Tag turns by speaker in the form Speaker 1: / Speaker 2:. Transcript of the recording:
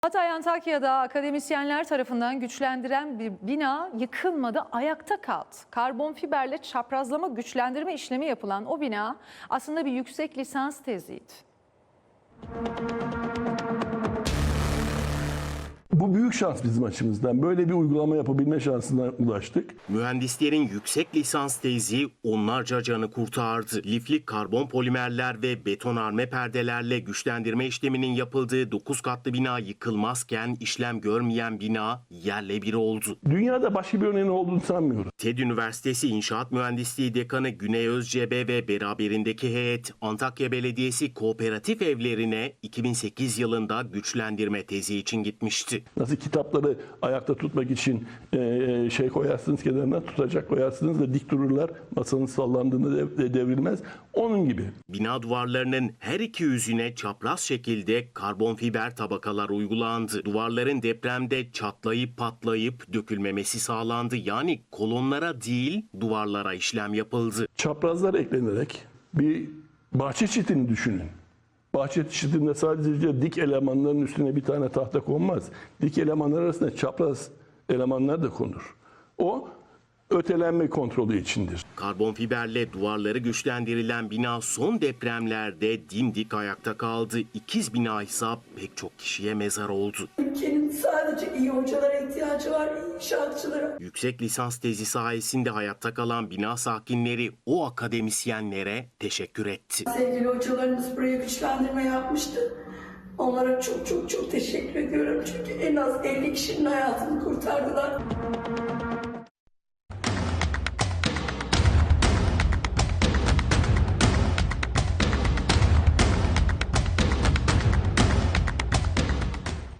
Speaker 1: Hatay Antakya'da akademisyenler tarafından güçlendiren bir bina yıkılmadı, ayakta kaldı. Karbon fiberle çaprazlama güçlendirme işlemi yapılan o bina aslında bir yüksek lisans teziydi.
Speaker 2: Bu büyük şans bizim açımızdan. Böyle bir uygulama yapabilme şansına ulaştık.
Speaker 3: Mühendislerin yüksek lisans tezi onlarca canı kurtardı. Lifli karbon polimerler ve betonarme perdelerle güçlendirme işleminin yapıldığı 9 katlı bina yıkılmazken işlem görmeyen bina yerle bir oldu.
Speaker 2: Dünyada başka bir örneğin olduğunu sanmıyorum.
Speaker 3: TED Üniversitesi İnşaat Mühendisliği Dekanı Güney Özcebe ve beraberindeki heyet Antakya Belediyesi kooperatif evlerine 2008 yılında güçlendirme tezi için gitmişti.
Speaker 2: Nasıl kitapları ayakta tutmak için koyarsınız kenarına, tutacak koyarsınız da dik dururlar. Masanın sallandığında devrilmez. Onun gibi.
Speaker 3: Bina duvarlarının her iki yüzüne çapraz şekilde karbon fiber tabakalar uygulandı. Duvarların depremde çatlayıp patlayıp dökülmemesi sağlandı. Yani kolonlara değil duvarlara işlem yapıldı.
Speaker 2: Çaprazlar eklenerek bir bahçe çitini düşünün. Bahçe çitinde sadece dik elemanların üstüne bir tane tahta konmaz. Dik elemanlar arasında çapraz elemanlar da konur. O ötelenme kontrolü içindir.
Speaker 3: Karbon fiberle duvarları güçlendirilen bina son depremlerde dimdik ayakta kaldı. İkiz bina ise pek çok kişiye mezar oldu.
Speaker 4: Ülkenin sadece iyi hocalara ihtiyacı var, iyi inşaatçılara.
Speaker 3: Yüksek lisans tezi sayesinde hayatta kalan bina sakinleri o akademisyenlere teşekkür etti.
Speaker 4: Sevgili hocalarımız buraya güçlendirme yapmıştı. Onlara çok teşekkür ediyorum. Çünkü en az 50 kişinin hayatını kurtardılar.